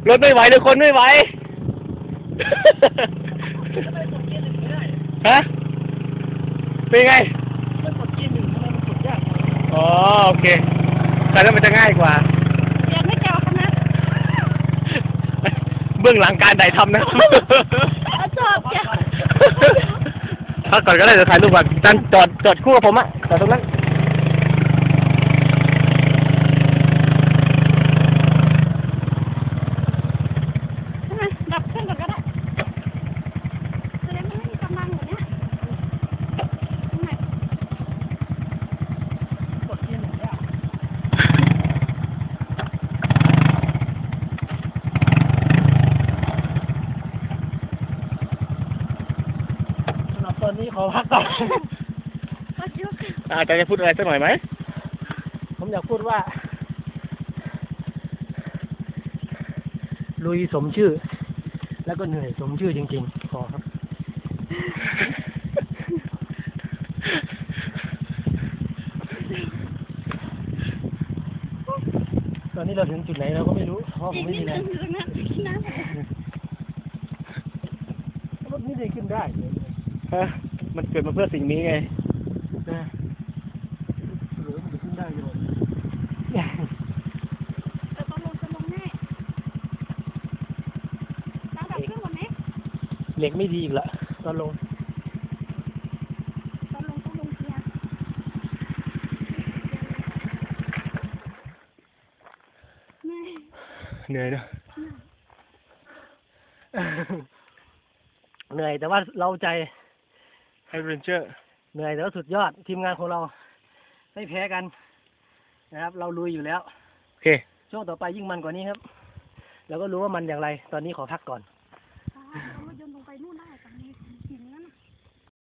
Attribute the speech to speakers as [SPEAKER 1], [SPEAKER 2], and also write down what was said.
[SPEAKER 1] รถไม่ไหวเลยคนไม่ไหวฮะเป็นไงอ๋อโอเคแต่แล้วมันจะง่ายกว่า
[SPEAKER 2] ยังไม่เจอคณะ
[SPEAKER 1] เบื้องหลังการถ่ายทำนะ
[SPEAKER 2] จอบจ้ะ
[SPEAKER 1] ถ้าก่อนก็ได้จะถ่ายรูปก่อนนั่นจอดคู่กับผมอะจอดตรงนั้น
[SPEAKER 2] ดับเครื่องก่อนก็ได้แสดงว่าไม่มีกำลังอยู่เนี่ย
[SPEAKER 3] ตอนนี้ขอพักก่อน
[SPEAKER 1] อาจารย์จะพูดอะไรสักหน่อยไหม
[SPEAKER 3] ผมอยากพูดว่าลุยสมชื่อแล้วก็เหนื่อยสมชื่อจริงๆขอครับตอนนี้เราถึงจุดไหนเราก็ไม่รู้เพราะผมไม่มีแรงรถนี่ได้ขึ้นได้
[SPEAKER 1] ฮะมันเกิดมาเพื่อสิ่งนี้ไง
[SPEAKER 3] นะหรือมันจะขึ้นได้อยู่
[SPEAKER 2] จะลงแน่ตั้งแต่เครื่องวันนี้
[SPEAKER 3] เหล็กไม่ดีอีกละตอนลง
[SPEAKER 2] ต้องลงเกียร์
[SPEAKER 1] เหนื่อยเนอะ
[SPEAKER 3] เหนื่อยแต่ว่าเราใจ
[SPEAKER 1] ไฮเรนเจอร์
[SPEAKER 3] เหนื่อยแต่ว่าสุดยอดทีมงานของเราไม่แพ้กันนะครับเราลุยอยู่แล้ว
[SPEAKER 1] โอเค
[SPEAKER 3] ช่วงต่อไปยิ่งมันกว่านี้ครับแล้วก็รู้ว่ามันอย่างไรตอนนี้ขอพักก่อน